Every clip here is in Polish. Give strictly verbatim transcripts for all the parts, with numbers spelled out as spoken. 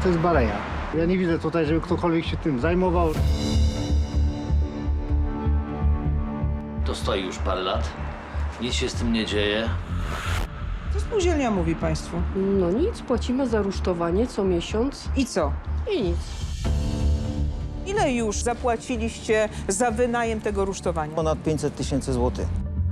to jest baleja. Ja nie widzę tutaj, żeby ktokolwiek się tym zajmował. To stoi już parę lat. Nic się z tym nie dzieje. Co spółdzielnia mówi państwu? No nic, płacimy za rusztowanie co miesiąc I co? i nic. Ile już zapłaciliście za wynajem tego rusztowania? Ponad pięćset tysięcy złotych.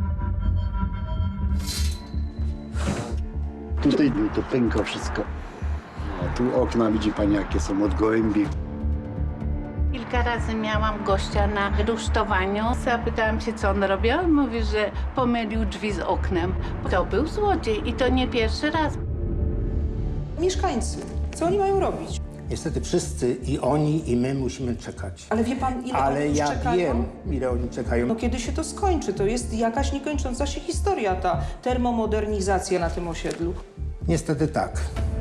Tutaj to pęka wszystko. A tu okna widzi pani, jakie są od gołębi. Kilka razy miałam gościa na rusztowaniu. Zapytałam się, co on robi. On mówi, że pomylił drzwi z oknem. To był złodziej i to nie pierwszy raz. Mieszkańcy, co oni mają robić? Niestety wszyscy, i oni, i my musimy czekać. Ale wie pan, ile Ale oni już ja czekają? wiem, ile oni czekają. No kiedy się to skończy? To jest jakaś niekończąca się historia, ta termomodernizacja na tym osiedlu. Niestety tak.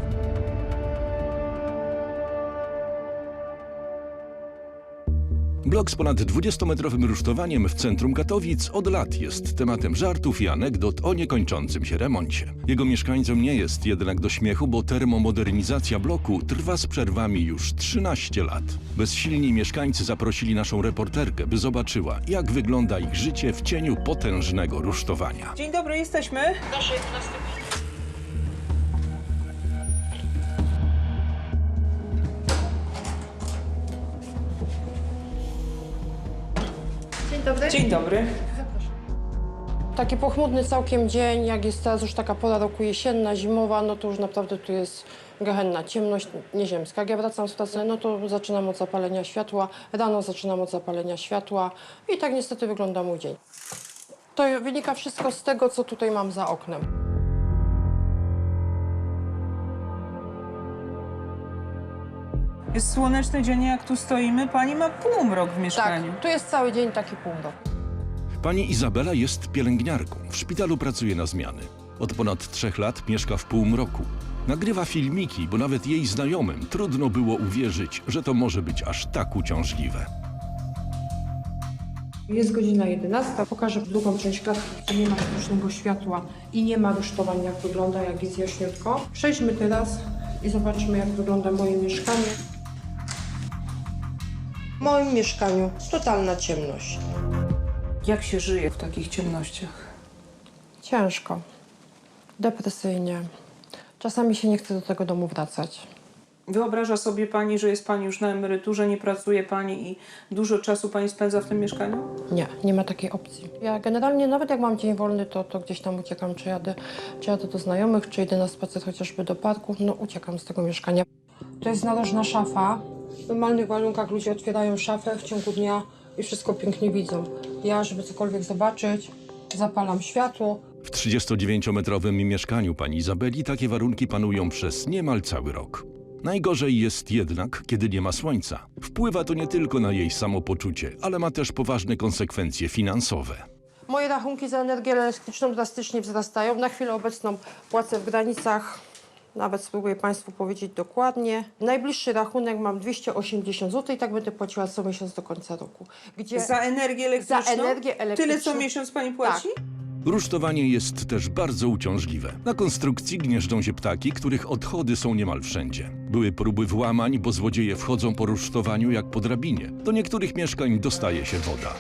Blok z ponad dwudziestometrowym rusztowaniem w centrum Katowic od lat jest tematem żartów i anegdot o niekończącym się remoncie. Jego mieszkańcom nie jest jednak do śmiechu, bo termomodernizacja bloku trwa z przerwami już trzynaście lat. Bezsilni mieszkańcy zaprosili naszą reporterkę, by zobaczyła, jak wygląda ich życie w cieniu potężnego rusztowania. Dzień dobry, jesteśmy. Dzień dobry. Dzień dobry. Taki pochmurny całkiem dzień, jak jest teraz już taka pora roku jesienna, zimowa, no to już naprawdę tu jest gehenna, ciemność nieziemska. Jak ja wracam z pracy, no to zaczynam od zapalenia światła, rano zaczynam od zapalenia światła i tak niestety wygląda mój dzień. To wynika wszystko z tego, co tutaj mam za oknem. Jest słoneczny dzień, jak tu stoimy. Pani ma półmrok w Tak, mieszkaniu. tu jest cały dzień taki półmrok. Pani Izabela jest pielęgniarką. W szpitalu pracuje na zmiany. Od ponad trzech lat mieszka w półmroku. Nagrywa filmiki, bo nawet jej znajomym trudno było uwierzyć, że to może być aż tak uciążliwe. Jest godzina jedenasta. Pokażę drugą część klatki, gdzie nie ma sztucznego światła i nie ma rusztowań, jak wygląda, jak jest jaśniutko. Przejdźmy teraz i zobaczmy, jak wygląda moje mieszkanie. W moim mieszkaniu totalna ciemność. Jak się żyje w takich ciemnościach? Ciężko, depresyjnie. Czasami się nie chce do tego domu wracać. Wyobraża sobie pani, że jest pani już na emeryturze, nie pracuje pani i dużo czasu pani spędza w tym mieszkaniu? Nie, nie ma takiej opcji. Ja generalnie nawet jak mam dzień wolny, to, to gdzieś tam uciekam, czy jadę, czy jadę do znajomych, czy idę na spacer chociażby do parku, no uciekam z tego mieszkania. To jest narożna szafa. W normalnych warunkach ludzie otwierają szafę w ciągu dnia i wszystko pięknie widzą. Ja, żeby cokolwiek zobaczyć, zapalam światło. W trzydziestodziewięciometrowym mieszkaniu pani Izabeli takie warunki panują przez niemal cały rok. Najgorzej jest jednak, kiedy nie ma słońca. Wpływa to nie tylko na jej samopoczucie, ale ma też poważne konsekwencje finansowe. Moje rachunki za energię elektryczną drastycznie wzrastają. Na chwilę obecną płacę w granicach, nawet spróbuję państwu powiedzieć dokładnie. Najbliższy rachunek mam dwieście osiemdziesiąt złotych i tak będę płaciła co miesiąc do końca roku. Gdzie Za energię elektryczną? Za energię elektryczną. Tyle co miesiąc pani płaci? Tak. Rusztowanie jest też bardzo uciążliwe. Na konstrukcji gnieżdżą się ptaki, których odchody są niemal wszędzie. Były próby włamań, bo złodzieje wchodzą po rusztowaniu jak po drabinie. Do niektórych mieszkań dostaje się woda.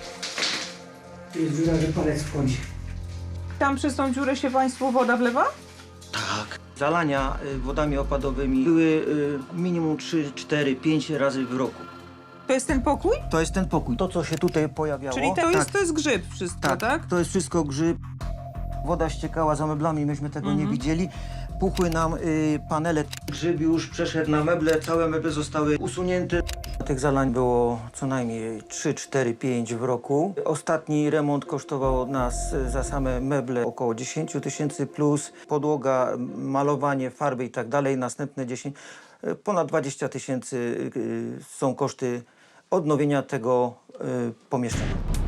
Jest dziura, że palec wchodzi. Tam przez tą dziurę się państwu woda wlewa? Tak. Zalania y, wodami opadowymi były y, minimum trzy, cztery, pięć razy w roku. To jest ten pokój? To jest ten pokój. To, co się tutaj pojawiało. Czyli to, tak, jest, to jest grzyb wszystko, tak? tak, to jest wszystko grzyb. Woda ściekała za meblami, myśmy tego Mhm. nie widzieli. Puchły nam y, panele. Grzyb już przeszedł na meble, całe meble zostały usunięte. Tych zalań było co najmniej trzy, cztery, pięć w roku. Ostatni remont kosztował nas y, za same meble około dziesięć tysięcy plus. Podłoga, malowanie, farby i tak dalej, następne dziesięć. Y, ponad dwadzieścia tysięcy y, są koszty odnowienia tego y, pomieszczenia.